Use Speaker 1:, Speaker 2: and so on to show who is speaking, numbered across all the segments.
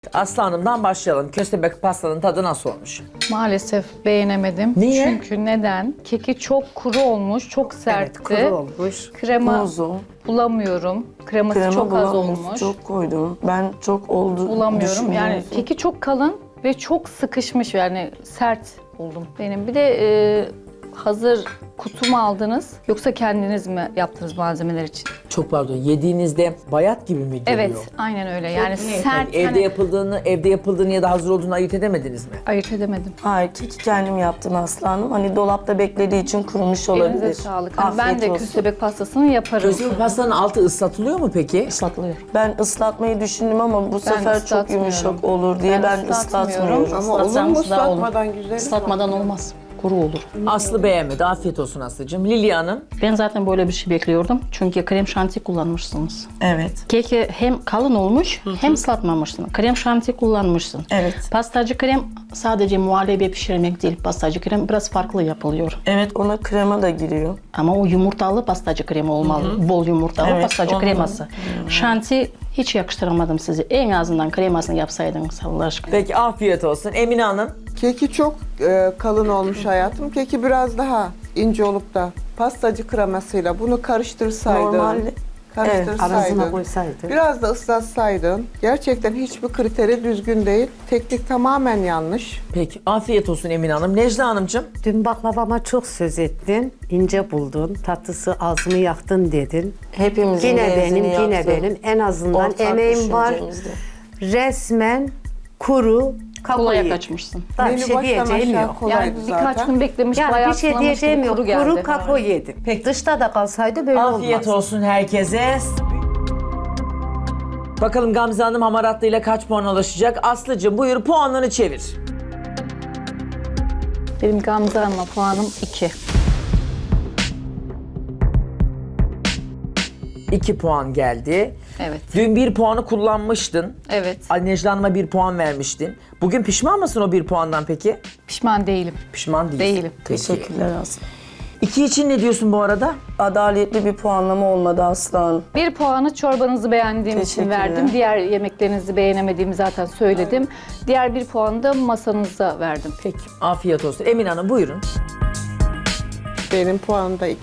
Speaker 1: Aslı Hanım'dan başlayalım. Köstebek pastanın tadı nasıl olmuş?
Speaker 2: Maalesef beğenemedim.
Speaker 1: Niye?
Speaker 2: Çünkü neden? Keki çok kuru olmuş, çok sertti.
Speaker 3: Evet, kuru olmuş.
Speaker 2: Krema
Speaker 4: Kuzu.
Speaker 2: bulamıyorum. Kreması
Speaker 4: Krema
Speaker 2: çok az
Speaker 4: bulamıyorsun,
Speaker 2: olmuş.
Speaker 4: çok koydum. Ben çok oldu
Speaker 2: Bulamıyorum. Yani
Speaker 4: düşünüyorum.
Speaker 2: keki çok kalın ve çok sıkışmış, yani sert buldum benim. Bir de hazır kutu mu aldınız yoksa kendiniz mi yaptınız malzemeler için?
Speaker 1: Çok pardon. Yediğinizde bayat gibi mi geliyor?
Speaker 2: Evet, aynen öyle. Yani sert,
Speaker 1: Yani evde
Speaker 2: hani
Speaker 1: yapıldığını ya da hazır olduğunu ayırt edemediniz mi?
Speaker 2: ayırt edemedim.
Speaker 4: Hayır, keki kendim yaptım Aslı Hanım. Hani dolapta beklediği için kurumuş olabilir.
Speaker 2: Elinize sağlık. Hani ben
Speaker 4: Afiyet
Speaker 2: de
Speaker 4: olsun.
Speaker 2: köstebek pastasını yaparım.
Speaker 1: Köstebek pastanın altı ıslatılıyor mu peki?
Speaker 2: Islatılıyor.
Speaker 4: Ben ıslatmayı düşündüm ama bu sefer çok
Speaker 2: ıslatmıyorum.
Speaker 4: yumuşak olur diye ben ıslatmıyorum.
Speaker 5: Ama olur mu ıslatmadan güzel?
Speaker 6: Islatmadan olmaz. Kuru olur.
Speaker 1: Aslı beğenmedi. Afiyet olsun Aslı'cığım. Lilya Hanım.
Speaker 6: Ben zaten böyle bir şey bekliyordum. Çünkü krem şanti kullanmışsınız.
Speaker 4: Evet.
Speaker 6: Keki hem kalın olmuş hem ıslatmamışsın. Krem şanti kullanmışsın.
Speaker 4: Evet.
Speaker 6: Pastacı krem sadece muhallebi pişirmek değil. Pastacı krem biraz farklı yapılıyor.
Speaker 4: Evet, ona krema da giriyor.
Speaker 6: Ama o yumurtalı pastacı kremi olmalı. Bol yumurtalı
Speaker 4: Evet,
Speaker 6: pastacı
Speaker 4: ondan.
Speaker 6: kreması. Şanti hiç yakıştıramadım sizi. En azından kremasını yapsaydınız Allah aşkına.
Speaker 1: Peki afiyet olsun. Emine Hanım.
Speaker 5: Keki çok kalın olmuş hayatım. Keki biraz daha ince olup da pastacı kremasıyla bunu karıştırsaydın.
Speaker 4: Normalde
Speaker 3: Arasına koysaydı.
Speaker 5: Biraz da ıslatsaydın. Gerçekten hiçbir kriteri düzgün değil. Teknik tamamen yanlış.
Speaker 1: Peki afiyet olsun Emine Hanım. Necla Hanımcığım.
Speaker 3: Dün baklavama çok söz ettin, ince buldun, tatlısı ağzımı yaktın dedin.
Speaker 4: Hepimizin
Speaker 3: Yine
Speaker 4: benzini
Speaker 3: benim, yine
Speaker 4: yaptı.
Speaker 3: benim. En azından
Speaker 4: Ortak
Speaker 3: emeğim var.
Speaker 4: düşüncemizde.
Speaker 3: Resmen kuru,
Speaker 6: Kolaya
Speaker 3: kakao.
Speaker 6: kaçmışsın.
Speaker 3: Daha bir
Speaker 5: Menü
Speaker 3: şey
Speaker 5: baştan
Speaker 3: diyeceğim
Speaker 5: aşağı
Speaker 3: yok.
Speaker 5: kolaydı
Speaker 2: Yani birkaç
Speaker 5: zaten.
Speaker 2: gün beklemiş,
Speaker 3: Yani bir şey
Speaker 2: bayatlamamış
Speaker 3: diyeceğim
Speaker 2: gibi
Speaker 3: yok.
Speaker 2: kuru geldi.
Speaker 3: Kuru kakao yedim.
Speaker 1: Peki.
Speaker 3: Dışta da kalsaydı böyle
Speaker 1: Afiyet
Speaker 3: olmaz.
Speaker 1: olsun herkese. Bakalım Gamze Hanım hamaratlı ile kaç puan ulaşacak? Aslı'cığım buyur puanlarını çevir.
Speaker 2: Benim Gamze Hanım'a puanım 2.
Speaker 1: 2 puan geldi.
Speaker 2: Evet.
Speaker 1: Dün 1 puanı kullanmıştın.
Speaker 2: Evet.
Speaker 1: Necla Hanım'a 1 puan vermiştin. Bugün pişman mısın o 1 puandan peki?
Speaker 2: Pişman değilim.
Speaker 1: Pişman değilsin.
Speaker 2: Değilim.
Speaker 1: Peki.
Speaker 4: Teşekkürler Aslı.
Speaker 1: 2 için ne diyorsun bu arada?
Speaker 4: Adaletli bir puanlama olmadı Aslı Hanım.
Speaker 2: 1 puanı çorbanızı beğendiğim için
Speaker 4: Teşekkürler.
Speaker 2: verdim. Diğer yemeklerinizi beğenemediğimi zaten söyledim. Diğer 1 puanı da masanıza verdim.
Speaker 1: Peki. Afiyet olsun. Emine Hanım buyurun.
Speaker 5: Benim puanım da 2.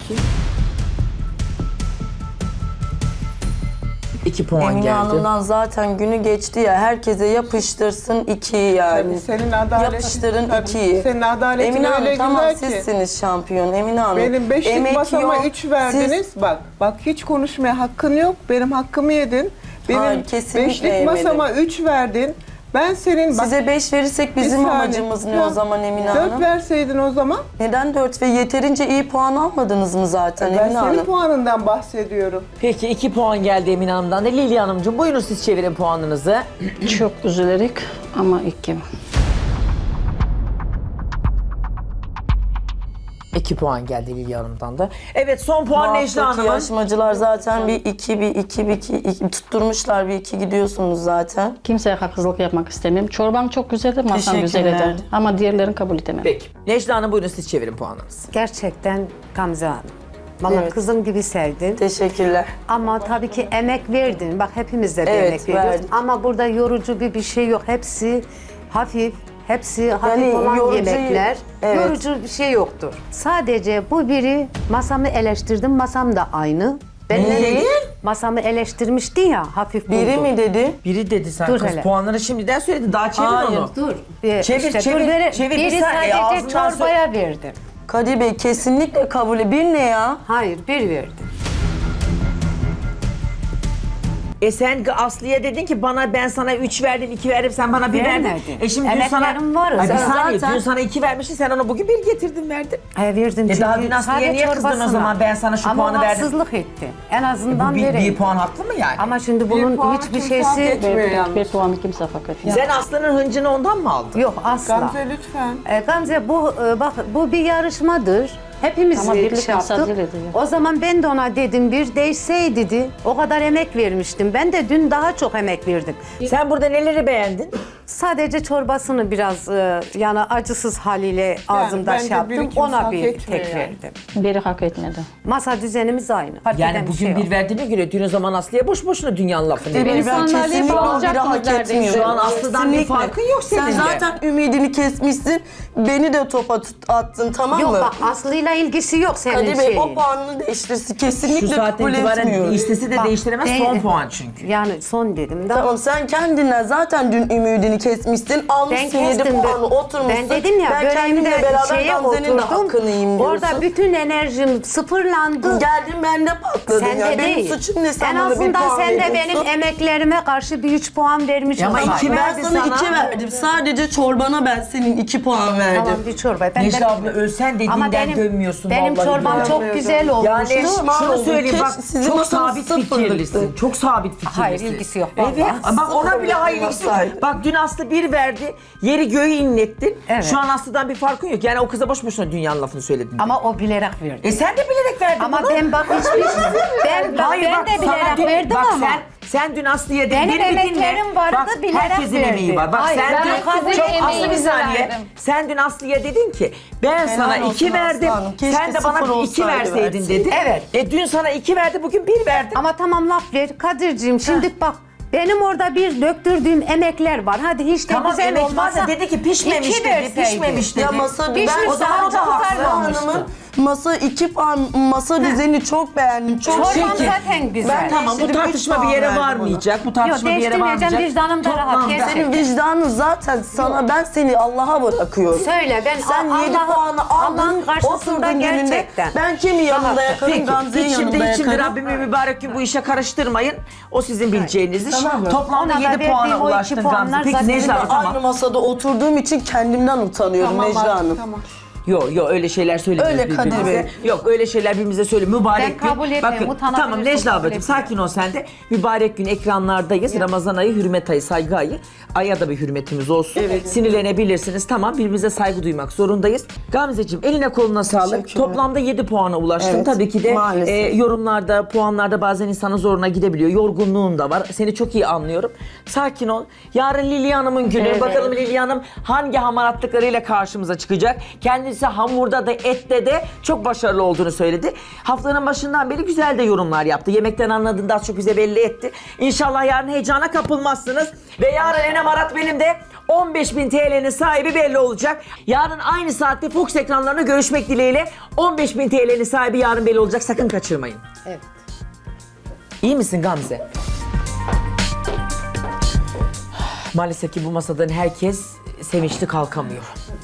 Speaker 1: 2 puan
Speaker 4: Emine
Speaker 1: geldi.
Speaker 4: Hanım'dan zaten günü geçti ya. Herkese yapıştırsın 2'yi yani.
Speaker 5: Tabii senin adaletin,
Speaker 4: Yapıştırın
Speaker 5: tabii
Speaker 4: 2'yi.
Speaker 5: senin adaletin
Speaker 4: Emine Hanım
Speaker 5: öyle
Speaker 4: tamam
Speaker 5: güzel ki.
Speaker 4: sizsiniz şampiyon Emine Hanım.
Speaker 5: Benim beşlik
Speaker 4: Emek
Speaker 5: masama
Speaker 4: yok.
Speaker 5: 3 verdiniz. Bak hiç konuşmaya hakkın yok. Benim hakkımı yedin. Benim
Speaker 4: Hayır, kesinlikle
Speaker 5: beşlik
Speaker 4: yemedim.
Speaker 5: masama 3 verdin. Ben senin bak,
Speaker 4: Size 5 verirsek
Speaker 5: bir
Speaker 4: bizim
Speaker 5: saniye.
Speaker 4: amacımız ne
Speaker 5: Ya,
Speaker 4: o zaman Emine
Speaker 5: 4
Speaker 4: Hanım?
Speaker 5: verseydin o zaman.
Speaker 4: Neden 4 ve yeterince iyi puan almadınız mı zaten
Speaker 5: Ben
Speaker 4: Emine
Speaker 5: senin
Speaker 4: Hanım?
Speaker 5: puanından bahsediyorum.
Speaker 1: Peki 2 puan geldi Emine Hanım'dan da. Lilya Hanımcığım buyurun siz çevirin puanınızı.
Speaker 6: Çok üzülerek ama 2.
Speaker 1: 2 puan geldi Lilya Hanım'dan da. Evet son puan
Speaker 4: Bu
Speaker 1: Necla
Speaker 4: haftaki
Speaker 1: Hanım'ın.
Speaker 4: yarışmacılar zaten bir 2 tutturmuşlar bir 2 gidiyorsunuz zaten.
Speaker 6: Kimseye haksızlık yapmak istemiyorum. Çorban çok güzeldi, masam güzel
Speaker 4: Teşekkürler.
Speaker 6: ederdi. Ama diğerlerini kabul edemem.
Speaker 1: Peki. Necla Hanım buyurun siz çevirin puanınızı.
Speaker 3: Gerçekten Gamze Hanım. Valla
Speaker 4: Evet.
Speaker 3: kızım gibi sevdin.
Speaker 4: Teşekkürler.
Speaker 3: Ama tabii ki emek verdin. Bak hepimiz de bir
Speaker 4: Evet,
Speaker 3: emek veriyoruz.
Speaker 4: verdim.
Speaker 3: Ama burada yorucu bir şey yok. Hepsi hafif. Hepsi hafif olan
Speaker 4: yorucu-
Speaker 3: yemekler.
Speaker 4: evet.
Speaker 3: Yorucu bir şey yoktur. Sadece bu biri masamı eleştirdim. Masam da aynı. Ben
Speaker 4: Ne dedin?
Speaker 3: Masamı eleştirmişti ya hafif
Speaker 4: Biri
Speaker 3: buldum.
Speaker 4: mi dedi?
Speaker 1: Biri dedi sen
Speaker 3: Dur
Speaker 1: kız
Speaker 3: hele.
Speaker 1: puanları şimdiden söyledi. Daha çevir
Speaker 4: Hayır,
Speaker 1: onu.
Speaker 3: Dur.
Speaker 1: Çevir, çevir, çevir. Bir
Speaker 3: Biri
Speaker 1: saniye,
Speaker 3: sadece
Speaker 1: ağzından
Speaker 3: çorbaya verdim.
Speaker 4: Kadir Bey kesinlikle kabul. Bir ne ya?
Speaker 3: Hayır, bir verdim.
Speaker 1: Sen Aslı'ya dedin ki ben sana 3 verdim, 2 verdim, sen bana 1 verdin.
Speaker 3: Vermedim.
Speaker 1: Şimdi dün sana...
Speaker 3: Emeklerim var.
Speaker 1: Ay, bir
Speaker 3: Sen
Speaker 1: saniye,
Speaker 4: zaten-
Speaker 1: dün sana 2 vermiştin, sen ona bugün 1 getirdin, verdin.
Speaker 3: Verdim çünkü
Speaker 1: daha dün Aslı'ya
Speaker 3: sadece
Speaker 1: niye kızdın o
Speaker 3: çorbasına.
Speaker 1: zaman? Ben sana şu puanı
Speaker 3: Ama
Speaker 1: verdim.
Speaker 3: haksızlık etti. En azından
Speaker 1: Bu bir
Speaker 3: vereyim.
Speaker 1: puan haklı mı yani?
Speaker 3: Ama şimdi bunun
Speaker 5: puanı
Speaker 3: hiçbir
Speaker 5: kimse hak
Speaker 3: şeysi
Speaker 5: etmiyor yalnız.
Speaker 6: Bir puanı kimse hak etmiyor.
Speaker 1: Sen Aslı'nın hıncını ondan mı aldın?
Speaker 3: yok asla.
Speaker 5: Gamze lütfen.
Speaker 3: Gamze bak bu bir yarışmadır. Hepimiz
Speaker 6: Ama birlik
Speaker 3: şey yaptık.
Speaker 6: mücadele ediyor.
Speaker 3: O zaman ben de ona dedim bir değişseydi dedi. O kadar emek vermiştim. Ben de dün daha çok emek verdim.
Speaker 1: Sen burada neleri beğendin?
Speaker 3: Sadece çorbasını biraz yani acısız haliyle ağzımda
Speaker 5: bence
Speaker 3: şey yaptım.
Speaker 5: bir ikimiz
Speaker 3: Ona
Speaker 5: hak
Speaker 3: bir
Speaker 5: etmiyor
Speaker 3: tek
Speaker 5: yani.
Speaker 3: verdim.
Speaker 6: Biri hak etmedi.
Speaker 3: Masa düzenimiz aynı. Fark
Speaker 1: Yani
Speaker 3: eden
Speaker 1: bugün
Speaker 3: şey
Speaker 1: bir
Speaker 3: yok.
Speaker 1: verdiğine göre dün o zaman Aslı'ya boş boşuna dünyanın lafını
Speaker 2: Beni
Speaker 1: ediyorsun.
Speaker 2: sandalyeyi
Speaker 4: kesinlikle o biri
Speaker 2: bağlayacaktınız
Speaker 4: hak
Speaker 2: neredeyse.
Speaker 4: etmiyor.
Speaker 1: Şu an Aslı'dan bir
Speaker 4: Kesinlikle.
Speaker 1: farkın yok senin
Speaker 4: Sen
Speaker 1: de.
Speaker 4: zaten ümidini kesmişsin. Beni de topa attın, tamam
Speaker 3: Yok
Speaker 4: mı?
Speaker 3: bak Aslı'yla ilgisi yok senin
Speaker 4: Kadir Bey
Speaker 3: şeyin.
Speaker 4: o puanını değiştirsin. Kesinlikle
Speaker 1: Şu saatten
Speaker 4: kabul
Speaker 1: itibaren
Speaker 4: etmiyorum.
Speaker 1: istesi de
Speaker 3: Bak,
Speaker 1: değiştiremez son
Speaker 3: değil.
Speaker 1: puan çünkü.
Speaker 3: Yani son dedim de.
Speaker 4: Tamam sen kendinden zaten dün ümidini kesmişsin. Almışsın 7
Speaker 3: kestim de-
Speaker 4: puanı oturmuşsun.
Speaker 3: Ben dedim ya
Speaker 4: ben kendimle
Speaker 3: böreğimde
Speaker 4: beraber
Speaker 3: şeye
Speaker 4: Gamze'nin de
Speaker 3: oturdum.
Speaker 4: hakkını yiyeyim diyorsun.
Speaker 3: Orada bütün enerjim sıfırlandı.
Speaker 4: Geldin bende patladın
Speaker 3: Sen
Speaker 4: ya.
Speaker 3: de
Speaker 4: Benim
Speaker 3: değil.
Speaker 4: suçum ne, sen
Speaker 3: en
Speaker 4: bana bir
Speaker 3: azından
Speaker 4: puan
Speaker 3: sen de
Speaker 4: veriyorsun.
Speaker 3: benim emeklerime karşı bir 3 puan vermiş
Speaker 1: Ya ama
Speaker 3: olsaydın.
Speaker 1: iki
Speaker 4: Ben
Speaker 1: verdi
Speaker 4: sana
Speaker 1: sana.
Speaker 4: 2 verdim. Sadece çorbana ben senin 2 puan verdim.
Speaker 3: Tamam bir çorba. Ben
Speaker 1: Necla
Speaker 3: de-
Speaker 1: abla ölsen
Speaker 3: Ama
Speaker 1: dediğinden dönmüyorsun
Speaker 3: benim
Speaker 1: vallahi.
Speaker 3: çorbam
Speaker 1: billahi.
Speaker 3: çok güzel olmuştu.
Speaker 1: Yani
Speaker 4: Pişman
Speaker 1: şunu
Speaker 4: oldum.
Speaker 1: söyleyeyim bak
Speaker 4: Keşke sizin
Speaker 1: çok
Speaker 4: masanız
Speaker 1: sabit
Speaker 4: sıfırlıktı.
Speaker 1: fikirlisin. Çok sabit fikirlisin.
Speaker 3: Hayır, ilgisi yok
Speaker 1: Evet
Speaker 3: vallahi.
Speaker 1: bak ona bile
Speaker 4: Sıfırlık
Speaker 1: hayır ilgisi yok.
Speaker 4: masaydı.
Speaker 1: Bak dün Aslı 1 verdi. Yeri göğü inlettin.
Speaker 3: Evet.
Speaker 1: Şu an Aslı'dan bir farkın yok. Yani o kıza boş boşuna dünyanın lafını söyledin.
Speaker 3: Ama o bilerek verdi.
Speaker 1: Sen de bilerek verdin
Speaker 3: Ama
Speaker 1: bunu.
Speaker 3: ben bak hiçbir
Speaker 1: Hayır,
Speaker 3: ben
Speaker 1: bak,
Speaker 3: de
Speaker 1: sana
Speaker 3: bilerek
Speaker 1: dün-
Speaker 3: verdim
Speaker 1: bak,
Speaker 3: ama.
Speaker 1: Sen dün Aslı'ya dedin.
Speaker 3: Benim
Speaker 1: beni bir dinle.
Speaker 3: emeklerim vardı,
Speaker 1: Bak,
Speaker 3: bilerek
Speaker 1: herkesin
Speaker 3: verdi.
Speaker 1: emeği var. Bak
Speaker 3: Hayır,
Speaker 1: sen
Speaker 3: ben
Speaker 1: dün
Speaker 2: sizin
Speaker 1: çok Aslı bir
Speaker 2: emeğinizi
Speaker 1: saniye.
Speaker 2: verdim.
Speaker 1: Sen dün Aslı'ya dedin ki ben sana
Speaker 4: olsun
Speaker 1: 2 verdim.
Speaker 4: Aslı Hanım, keşke
Speaker 1: Sen de bana
Speaker 4: sıfır
Speaker 1: 2
Speaker 4: olsaydı
Speaker 1: verseydin
Speaker 4: verseydin.
Speaker 1: dedi.
Speaker 3: Evet.
Speaker 1: Dün sana 2 verdi bugün 1 verdim.
Speaker 3: Ama tamam laf ver Kadir'ciğim şimdi bak benim orada bir döktürdüğüm emekler var. Hadi hiç de
Speaker 1: Tamam
Speaker 3: güzel
Speaker 1: emek var
Speaker 3: olmasa
Speaker 1: da dedi ki pişmemiş
Speaker 3: iki
Speaker 1: dedi.
Speaker 3: verseydi.
Speaker 1: Pişmemiş dedi.
Speaker 4: Ya masa
Speaker 3: Pişmiş
Speaker 4: ben o zaman
Speaker 3: sadece
Speaker 4: da
Speaker 3: kurtarmamıştı.
Speaker 4: Hanım'ın masa 2 puan masa düzeni çok beğendim. Çok
Speaker 3: Çorbam
Speaker 1: Peki.
Speaker 3: zaten güzel.
Speaker 4: Ben
Speaker 1: Tamam bu
Speaker 4: Değiştirip
Speaker 1: tartışma
Speaker 4: üç
Speaker 1: bir
Speaker 4: puan
Speaker 1: yere
Speaker 4: verdim
Speaker 1: varmayacak. Bu tartışma
Speaker 3: Yok,
Speaker 1: bir yere
Speaker 3: değiştirmeyeceğim,
Speaker 1: varmayacak.
Speaker 3: vicdanım da rahat,
Speaker 1: Toplamda-
Speaker 3: gerçekten.
Speaker 4: Senin vicdanın zaten sana, ben seni Allah'a bırakıyorum.
Speaker 3: Söyle ben
Speaker 4: Sen 7 puanı
Speaker 3: Allah'ın
Speaker 4: aldın,
Speaker 3: karşısında
Speaker 4: oturdun önünde.
Speaker 3: gerçekten.
Speaker 4: Ben kimi yanında yakarım,
Speaker 1: Peki
Speaker 4: Gamze'yi
Speaker 1: içimde
Speaker 4: yanında yakarım.
Speaker 1: Rabbimi mübarek gün bu işe karıştırmayın. O sizin bileceğiniz iş.
Speaker 4: Tamam mı?
Speaker 1: Toplamda
Speaker 3: Ona da
Speaker 1: 7
Speaker 3: verdiğim
Speaker 1: puana
Speaker 3: o iki
Speaker 1: ulaştın
Speaker 3: puanlar
Speaker 1: Gamze. Peki
Speaker 3: zaten
Speaker 1: Necla
Speaker 3: benim
Speaker 1: tamam.
Speaker 4: Aynı masada oturduğum için kendimden utanıyorum
Speaker 5: Tamam
Speaker 4: Necla
Speaker 5: artık,
Speaker 4: Hanım.
Speaker 5: tamam.
Speaker 1: Yok öyle şeyler söylemiyoruz
Speaker 4: Öyle Kadir
Speaker 1: birbirimize.
Speaker 4: Bey.
Speaker 1: Yok öyle şeyler birbirimize söyle. Mübarek
Speaker 3: Ben
Speaker 1: gün.
Speaker 3: kabul etmiyorum,
Speaker 1: Bakın
Speaker 3: utanabilirsin,
Speaker 1: tamam Necla
Speaker 3: kabul
Speaker 1: ablacığım
Speaker 3: etmiyorum.
Speaker 1: sakin ol sen de. Mübarek gün ekranlardayız. Ramazan ayı, hürmet ayı, saygı ayı. Aya da bir hürmetimiz olsun. Sinirlenebilirsiniz. Tamam birbirimize saygı duymak zorundayız. Gamzeciğim eline koluna sağlık.
Speaker 4: Teşekkürler.
Speaker 1: Toplamda 7 puana ulaştın.
Speaker 4: Evet,
Speaker 1: Tabii ki de
Speaker 4: maalesef.
Speaker 1: yorumlarda, puanlarda bazen insanın zoruna gidebiliyor. Yorgunluğun da var. Seni çok iyi anlıyorum. Sakin ol. Yarın Lilya Hanım'ın günü.
Speaker 6: Evet.
Speaker 1: Bakalım Lilya Hanım hangi hamaratlıklarıyla karşımıza çıkacak. Kendisi hamurda da ette de çok başarılı olduğunu söyledi. Haftanın başından beri güzel de yorumlar yaptı. Yemekten anladığında az çok bize belli etti. İnşallah yarın heyecana kapılmazsınız. Ve yarın en hamarat benim de 15.000 TL'nin sahibi belli olacak. Yarın aynı saatte Fox ekranlarında görüşmek dileğiyle 15.000 TL'nin sahibi yarın belli olacak. Sakın kaçırmayın.
Speaker 3: Evet.
Speaker 1: İyi misin Gamze? Maalesef ki bu masadan herkes sevinçli kalkamıyor.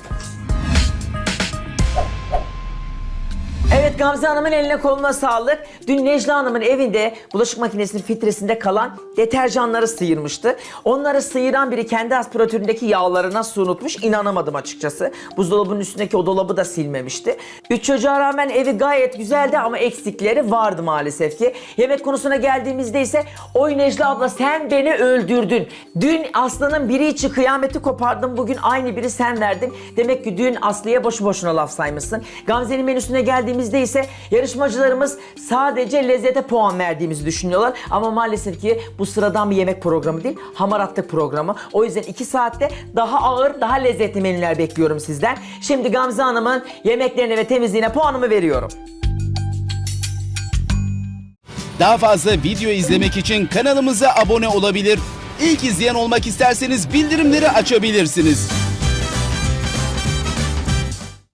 Speaker 1: Evet Gamze Hanım'ın eline koluna sağlık. Dün Necla Hanım'ın evinde bulaşık makinesinin filtresinde kalan deterjanları sıyırmıştı. Onları sıyıran biri kendi aspiratöründeki yağları nasıl unutmuş inanamadım açıkçası. Buzdolabının üstündeki o dolabı da silmemişti. 3 çocuğa rağmen evi gayet güzeldi ama eksikleri vardı maalesef ki. Yemek konusuna geldiğimizde ise oy Necla abla sen beni öldürdün. Dün Aslı'nın biri için kıyameti kopardın, bugün aynı biri sen verdin. Demek ki dün Aslı'ya boşu boşuna laf saymışsın. Gamze'nin menüsüne geldiğimizde ise yarışmacılarımız sadece lezzete puan verdiğimizi düşünüyorlar. Ama maalesef ki bu sıradan bir yemek programı değil, hamaratlık programı. O yüzden 2 saatte daha ağır, daha lezzetli menüler bekliyorum sizden. Şimdi Gamze Hanım'ın yemeklerine ve temizliğine puanımı veriyorum.
Speaker 7: Daha fazla video izlemek için kanalımıza abone olabilir. İlk izleyen olmak isterseniz bildirimleri açabilirsiniz.